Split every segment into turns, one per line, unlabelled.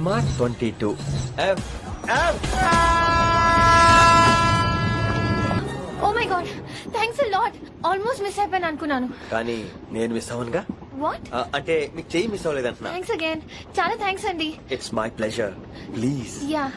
Cinema 22 F F.
Oh my god thanks a lot almost miss అయిపోయాను అనుకున్నాను.
కానీ నేను మిస్ అవ్వనుగా.
వాట్?
అంటే మీకు చెయ్యి మిస్ అవ్వలేదంటున్నా.
థ్యాంక్స్ అగైన్, చాలా థ్యాంక్స్ అండి.
It's my pleasure, please.
Yeah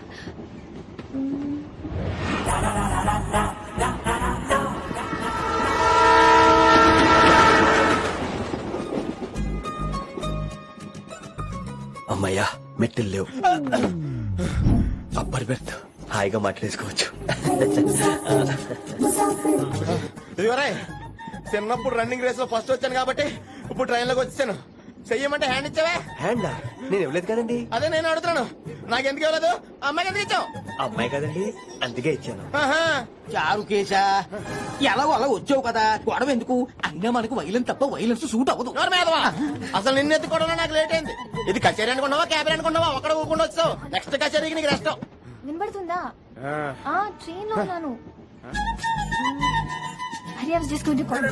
అమ్మయ్యా మెట్టులు లేవు. అప్పర్ బెర్త్ హాయిగా మాట్లాడేసుకోవచ్చు.
ఇదిగోరే చిన్నప్పుడు రన్నింగ్ రేస్ లో ఫస్ట్ వచ్చాను కాబట్టి ఇప్పుడు ట్రైన్ లోకి వచ్చాను. చెయ్యమంటే హ్యాండ్ ఇచ్చావే.
హ్యాండా? నేను ఇవ్వలేదు కదండి.
అదే నేను అడుగుతున్నాను, నాకెందుకు ఇవ్వలేదు? అమ్మాయికి ఎందుకు ఇచ్చావు?
అమ్మాయి కదండి, అందుకే ఇచ్చాను.
చారు కేశా ఎలాగో అలా వచ్చావు కదా, గొడవ ఎందుకు? అయినా మనకు వైలెన్స్ తప్ప వైలెన్స్ సూట్ అవ్వదు.
అసలు నిన్ను ఎత్తుకోవడంలో నాకు లేట్ అయింది. ఇది కచేరీ అనుకున్నావా క్యాబిన్ అనుకున్నావా? ఒక్కడ ఊకుండా వచ్చావు. నెక్స్ట్ కచేరీకి నీకు రెస్ట్.
వినబడుతుందా? ట్రైన్ లో ఉన్నాను. Hari I was just going to call.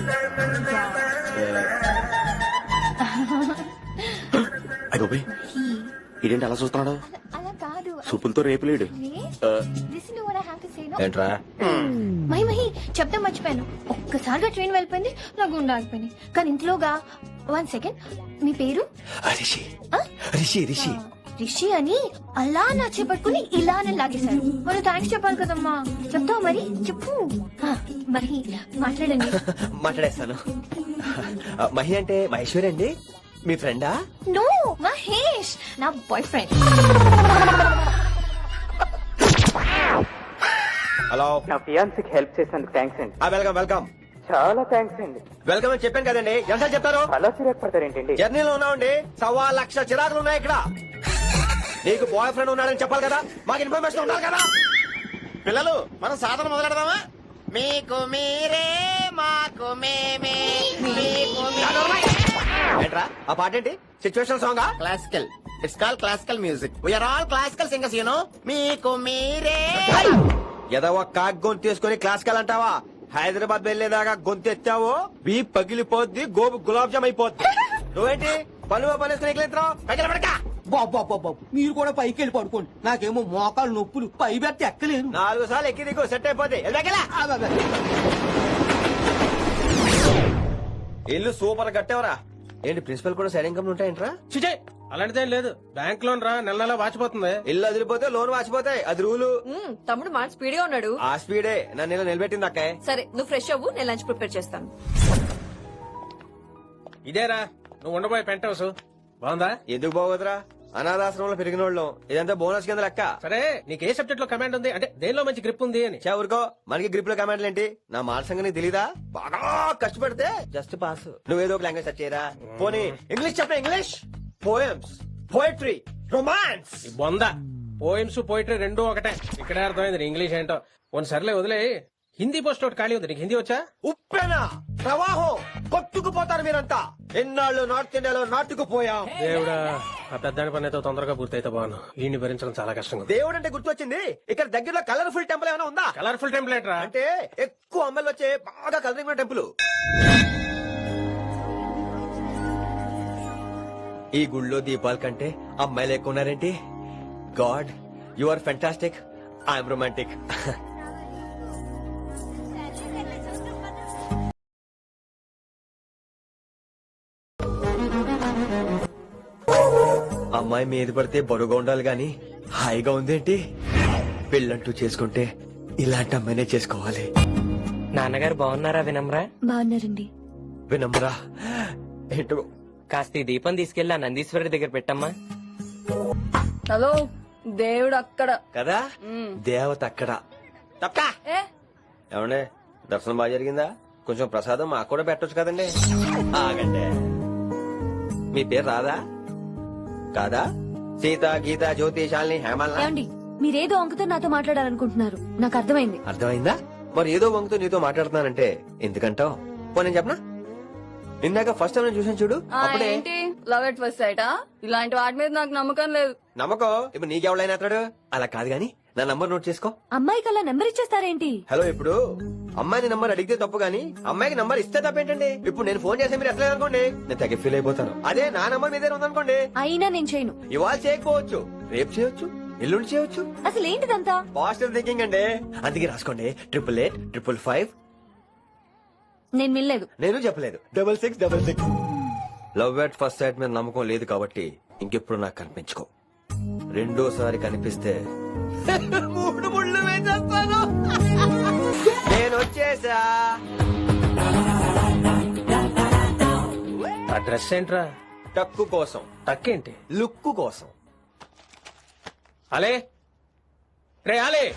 అయ్యో ఇదేంటి అలా చూస్తున్నాడు?
అలా కాదు.
సూపులతో రేపులేడు.
Listen to what I have to say now.
ఏంట్రా?
మహి చెప్తాం మర్చిపోయాను. ఒక్కసారిగా ట్రైన్ వెళ్ళిపోయింది, నా గుండె ఆగిపోయింది. కానీ ఇంట్లోగా 1 సెకండ్, మీ పేరు?
రిషి. రిషి రిషి
రిషి అని అలా నా చేపట్టుకుని ఇలానే లాగేశారు. మరి థ్యాంక్స్ చెప్పాలి కదమ్మా. చెప్తావు మరి? చెప్పు. మహి మాట్లాడండి.
మాట్లాడేస్తాను. మహి అంటే మహేశ్వరి అండి, మీ ఫ్రెండా?
నో, మహేష్ నా బాయ్ ఫ్రెండ్.
హలో.
నా ఫియాన్సీకి హెల్ప్ చేసినందుకు థ్యాంక్స్ అండి.
Welcome welcome.
చాలా థ్యాంక్స్ అండి.
వెల్కమ్ అని చెప్పాను కదండి, ఎంత చెప్తారు?
అలా చిరాకు పడతారేంటండి?
జర్నీలో ఉన్నామండి, 1,00,000 చిరాకులు ఉన్నాయి ఇక్కడ. నీకు బాయ్ ఫ్రెండ్ ఉన్నాడని చెప్పాలి కదా, మాకు ఇన్ఫర్మేషన్ ఉండాలి కదా.
పిల్లలు మనం సాధన మొదలెడదామా? మీకు మీరే మాకు మేమే మీకు
ఏంట్రా ఆ పాట ఏంటి? Situation song?
Classical. It's call classical music. We are all classical singers, you know. మీకు మీరే.
ఏదో ఒక కాక్ గొంతు తీసుకుని క్లాసికల్ అంటావా? హైదరాబాద్ వెళ్లేదాకా గొంతు ఎత్తావో బీ పగిలిపోద్ది, గోబు గులాబ్ జామ్ అయిపోద్ది. నువ్వేంటి పనులు పనేసుకుని ఎక్కలేదురా?
బాబు మీరు కూడా పైకి వెళ్ళి పడుకోండి, నాకేమో మోకాలు నొప్పులు, పై బెర్త ఎక్కలేను.
4 సార్లు ఎక్కి దిగు, సెట్ అయిపోద్ది. ఇల్లు సూపర్ కట్టేవరా. ఏంటి ప్రిన్సిపల్ కూడా సైడ్ ఇన్కమ్ ఉంటాయంట్రా?
చిచే అలాంటిదేం లేదు, బ్యాంక్ లోన్ రా నెల నెలా వాచిపోతుంది.
ఇల్లు అదిరిపోతే లోన్ వాచిపోతాయి, అది రూలు.
తమ్ముడు మాట స్పీడ్ గా ఉన్నాడు.
ఆ స్పీడే నన్ను ఇలా నిలబెట్టింది అక్కే.
సరే నువ్వు ఫ్రెష్ అవ్వు, నేను లంచ్ ప్రిపేర్ చేస్తాను.
ఇదేరా నువ్వు ఉండబోయే పెంట్ హౌస్, బాగుందా?
ఎందుకు బాగోదురా, అనాథాశ్రమంలో పెరిగిన వాళ్ళం, ఇదంతా బోనస్ కింద లెక్క.
సరే నీకు ఏ సబ్జెక్ట్ లో కమాండ్ ఉంది, అంటే దేనిలో మంచి గ్రిప్ ఉంది అని.
ఊరుకో, మనకి గ్రిప్ లో కమాండ్లు ఏంటి? నా మాట సంగతి తెలీదా? బాగా కష్టపడితే జస్ట్ పాస్. నువ్వేదో ఒక లాంగ్వేజ్ సెర్చ్ చేయరా. పోనీ ఇంగ్లీష్ చెప్ప. English poems, poetry, romance.
ఈ బొంద పోయిమ్స్ పోయిటరీ రెండూ ఒకటే. ఇక్కడే అర్థమైంది నీ ఇంగ్లీష్ ఏంటో. కొన్ని సర్లే వదిలే, హిందీ పోస్ట్ ఒకటి ఖాళీ ఉంది, నీకు హిందీ వచ్చా?
ఉప్పెనా ప్రవాహం కొట్టుకుపోతారు మీరంతా. ఎన్నాళ్ళు నార్త్ ఇండియాలో నాటుకుపోయాం.
దేవుడా, ఆ పెద్దాడి పని అయితే తొందరగా పూర్తయితే బాను, వీడిని భరించడం చాలా కష్టంగా ఉంది.
దేవుడు అంటే గుర్తొచ్చింది, ఇక్కడ దగ్గరలో కలర్ఫుల్ టెంపుల్ ఏమైనా ఉందా?
కలర్ఫుల్ టెంప్లెట్ రా,
అంటే ఎక్కువ అమ్మాయిలు వచ్చే బాగా కలరింగ్ ఉన్న టెంపుల్. ఈ గుళ్ళో దీపాల కంటే అమ్మాయిలు ఎక్కువ ఉన్నారేంటి? God, you are fantastic, I'm romantic. అమ్మాయి మీద పడితే బరువుగా ఉండాలి గాని హాయిగా ఉందేంటి? పెళ్ళంటూ చేసుకుంటే ఇలాంటి అమ్మాయినే చేసుకోవాలి.
నాన్నగారు బాగున్నారా వినమ్రా?
బాగున్నారండి.
వినమ్రా ఏంటో.
కాస్త ఈ దీపం తీసుకెళ్లి ఆ నందీశ్వరుడి దగ్గర పెట్టమ్మా.
హలో, దేవుడు అక్కడ
కదా, దేవత అక్కడ. తప్ప ఏమండే, దర్శనం బాగా జరిగిందా? కొంచెం ప్రసాదం మాకు కూడా పెట్టొచ్చు కదండి. ఆగండి, మీ పేరు రాదా? కాదా? సీత, గీత, జ్యోతి, శాలిని, హేమల్.
మీరేదో అంకుతో నాతో మాట్లాడాలనుకుంటున్నారు, నాకు అర్థమైంది.
అర్థమైందా? మరి ఏదో వంగుతో నీతో మాట్లాడుతున్నానంటే ఎందుకంటావు? నేను చెప్పనా? ఇందాక ఫస్ట్ టైం చూసాను చూడు, అప్పుడే.
Love at first sight? ఇలాంటి వాటి మీద నాకు నమ్మకం లేదు.
నమ్మకం ఇప్పుడు నీకెవడైనా అతడు. అలా కాదు గాని నా నంబర్ నోట్ చేసుకో.
అమ్మాయికి అలా నెంబర్ ఇచ్చేస్తారేంటి?
హలో, ఇప్పుడు అమ్మాయిని నంబర్ అడిగితే తప్పు గానీ అమ్మాయికి నంబర్ ఇస్తే తప్పేంటండి? ఇప్పుడు నేను ఫోన్ చేస్తే మీరు ఎట్లా అనుకోండి, నేను తెగ ఫీల్ అయిపోతాను. అదే నా నంబర్ మీదే ఉందనుకోండి,
అయినా నేను చేయను.
ఇవాళ చేయకపోవచ్చు, రేపు చేయొచ్చు, ఎల్లుండి చేయొచ్చు.
అసలు ఏంటిదంతా?
పాజిటివ్ థింకింగ్ అండి. అందుకే రాసుకోండి 888
నేను వినలేదు.
నేను చెప్పలేదు 6666. లవ్ ఎట్ ఫస్ట్ సైట్ మీద నమ్మకం లేదు కాబట్టి ఇంకెప్పుడు నాకు కనిపించుకో. రెండోసారి కనిపిస్తే 3 ముళ్ళు వేసేస్తాను. నేను వచ్చేసా.
ఆ డ్రెస్ ఏంట్రా?
టక్కు కోసం,
తక్కేంటి?
లుక్కు కోసం.
అలే రే అలే.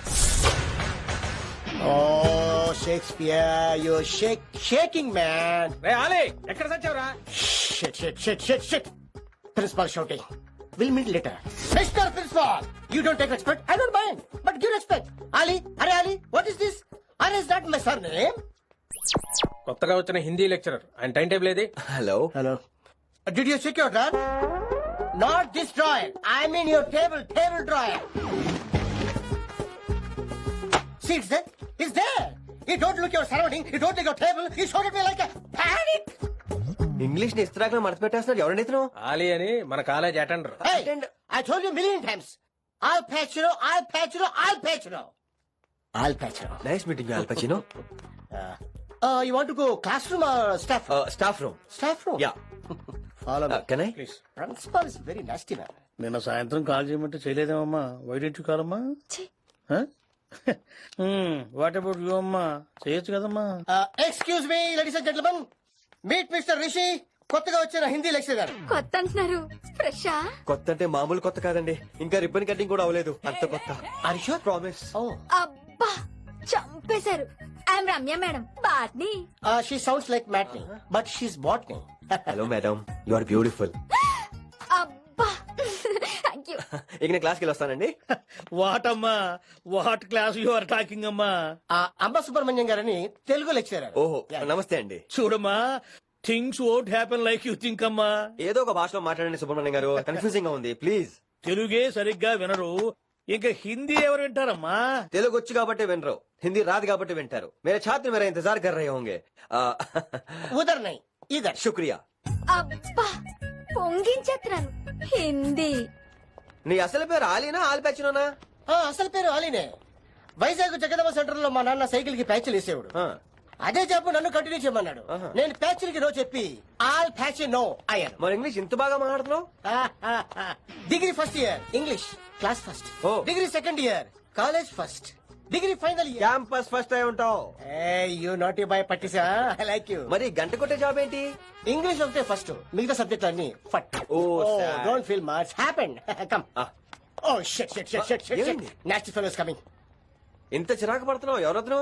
Oh, Shakespeare, you're shaking, man.
రే అలే, ఎక్కడ సచ్చావురా?
Shit. Principal shouting. We'll meet later. Mr. Principal, you don't take respect. I don't mind, but give respect. Ali, what is this? Ali is not my surname.
కొత్తగా వచ్చిన Hindi lecturer, ఆయన time table ఏది?
Hello.
Did you check your drawer? Not this drawer. I mean your table drawer. See, it's there. You don't look your surrounding. You don't look your table. You showed at me like a panic.
English ని ఇస్త్రాకులో మడత పెట్టేస్తున్నాడు. ఎవరండి ఇతను?
ఆలీ అని మన college attender.
Hey, I told you a million times. I'll patch you.
Nice meeting Al Pacino.
You want to go classroom or staff room?
Staff room.
Staff room.
Yeah.
Follow me.
Can I?
Please.
Principal is very nasty man.
నిన్న సాయంత్రం call చేయమంటే చేయలేదేమమ్మా? Why didn't కాలమ్మా? What about you అమ్మా? చేయొచ్చు కదమ్మా?
Excuse me, ladies and gentlemen. Meet Mr. Rishi. కొత్తగా వచ్చిన హిందీ లెక్చరర్.
కొత్త అంటున్నారు, ఫ్రెషా?
కొత్త అంటే మామూలు కొత్త కాదండి, ఇంకా రిబ్బన్ కటింగ్ కూడా అవ్వలేదు, అంత కొత్త.
Are you sure?
Promise.
Oh.
అబ్బా చంపేశారు. I'm Ramya madam, botany.
She sounds like Matney, but she's botany.
Hello madam, you are beautiful.
అబ్బా థ్యాంక్ యూ.
ఇక నేను క్లాస్కి వస్తానండి.
వాట్ అమ్మా, what class you are talking అమ్మా?
అంబ సుబ్రహ్మణ్యం గారని తెలుగు లెక్చరర్.
ఓహో, నమస్తే అండి.
చూడమ్మా, things won't happen like you think అమ్మా.
ఏదో ఒక భాషలో మాట్లాడండి సుబ్రహ్మణ్యం గారు, కన్ఫ్యూజింగ్ గా ఉంది, ప్లీజ్.
తెలుగే సరిగ్గా వినరు, ఇంకా హిందీ ఎవరు వింటారమ్మా?
తెలుగు వచ్చు కాబట్టి వినరు, హిందీ రాదు కాబట్టి వింటారు. మేరే ఛాత్ర మేరా ఇంతజార్ కర్ రహే హోంగే.
ఉదర్ నై ఇదర్.
శుక్రియా.
అబ్బా పొంగించేస్తున్నాను. హిందీ.
నీ అసలు పేరు ఆలీనా ఆల్పచ్చినోనా?
అసలు పేరు ఆలీనే. వైజాగ్ జగదమ్మ సెంటర్ లో మా నాన్న సైకిల్ కి ప్యాచ్లు వేసేవాడు. అదే జాబ్ నన్ను కంటిన్యూ చేయమన్నాడు. నేను ప్యాచ్లకి నో చెప్పి ఆల్ ప్యాచ్ నో అయ్యాను.
మరి ఇంగ్లీష్ ఇంత బాగా మాట్లాడుతున్నావు?
Degree first year English class first. Degree second year college first. Degree final year
campus first అయి ఉంటావు.
యూ నాట్ బై పట్టిసా. I like you.
మరి గంట కొట్టే జాబ్ ఏంటి?
ఇంగ్లీష్ ఒకటే ఫస్ట్, మిగతా సబ్జెక్ట్ అన్ని ఫట్. Don't feel much happen. Come. Oh shit shit shit shit shit. Nasty fellows coming.
ఇంత చిరాకు పడుతున్నావు, ఎవరొద్దు?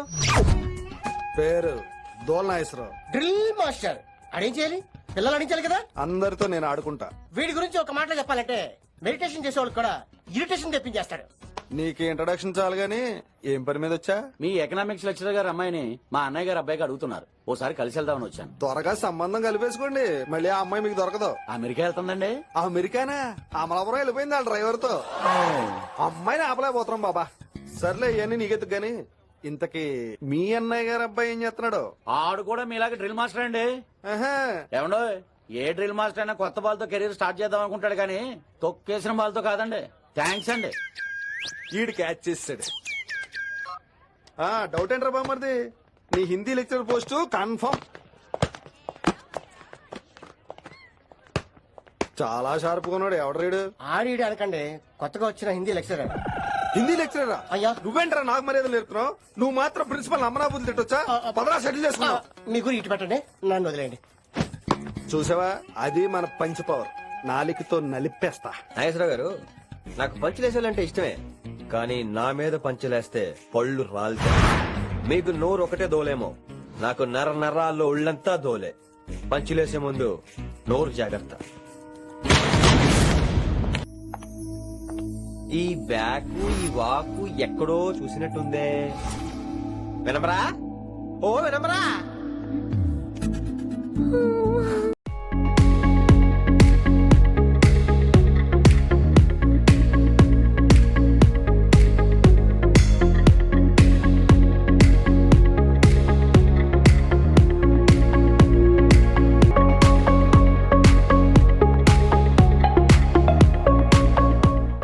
పేరు దోల్నాగేశ్వరరావు.
Drill master. అడేం చేయాలి? పిల్లలు అడించాలి కదా.
అందరితో నేను ఆడుకుంటా.
వీడి గురించి ఒక మాటలో చెప్పాలంటే మెడిటేషన్ చేసేవాళ్ళు కూడా ఇరిటేషన్ తెప్పించేస్తాడు.
నీకు ఇంట్రడక్షన్ చాలు గానీ ఏం పని మీద వచ్చా?
మీ ఎకనామిక్స్ లెక్చరర్ గారు అమ్మాయిని మా అన్నయ్య గారు అబ్బాయికి అడుగుతున్నారు, ఓసారి కలిసి వెళ్దామని వచ్చాను.
త్వరగా సంబంధం కలిపేసుకోండి, మళ్ళీ ఆ అమ్మాయి మీకు దొరకదు.
అమెరికా వెళ్తుందండి.
అమెరికానా? అమలాపురం వెళ్ళిపోయింది వాళ్ళ డ్రైవర్ తో. అమ్మాయిని ఆపలేకపోతున్నాం బాబా. సర్లే ఇవన్నీ నీకెత్తుకు గాని ఇంతకీ మీ అన్నయ్య గారు అబ్బాయి ఏం చేస్తున్నాడు?
ఆడు కూడా మీలాగే డ్రిల్ మాస్టర్ అండి. ఏమండో, ఏ డ్రిల్ మాస్టర్ అయినా కొత్త బాల్తో కెరీర్ స్టార్ట్ చేద్దాం అనుకుంటాడు కానీ తొక్కేసిన బాల్తో కాదండి. థ్యాంక్స్ అండి.
ఈడు క్యాచ్ చేసాడు. డౌట్ ఏంట్రా బామ్మర్ది, నీ హిందీ లెక్చర్ పోస్ట్ కన్ఫర్మ్. చాలా షార్ప్ గా ఉన్నాడు. ఎవడరీడు?
ఆడిడు అనకండి, కొత్తగా వచ్చిన హిందీ లెక్చరర్.
హిందీ లెక్చరరా?
అయ్యా
నువ్వేంట్రా నాకు మర్యాదలు నేర్పుతున్నావు? నువ్వు మాత్రం ప్రిన్సిపల్ అమ్మనాబుద్ధి తిట్టొచ్చా? పదరా సెటిల్ చేసుకున్నావు.
మీ గురి ఇటు పెట్టండి, నన్ను వదిలేయండి.
చూసావా, అది మన పంచ్ పవర్. నాలికతో నలిపేస్తా.
నాగేశ్వరరావు గారు, నాకు పంచులేసాలంటే ఇష్టమే, కానీ నా మీద పంచులేస్తే పళ్ళు రాలుతాయి. మీకు నోరు ఒకటే దోలేమో, నాకు నర నరాల్లో ఉళ్ళంతా దోలే. పంచులేసే ముందు నోరు జాగ్రత్త. ఈ బ్యాకు ఈ వాకు ఎక్కడో చూసినట్టుందే. వినమరా? ఓ వినమరా?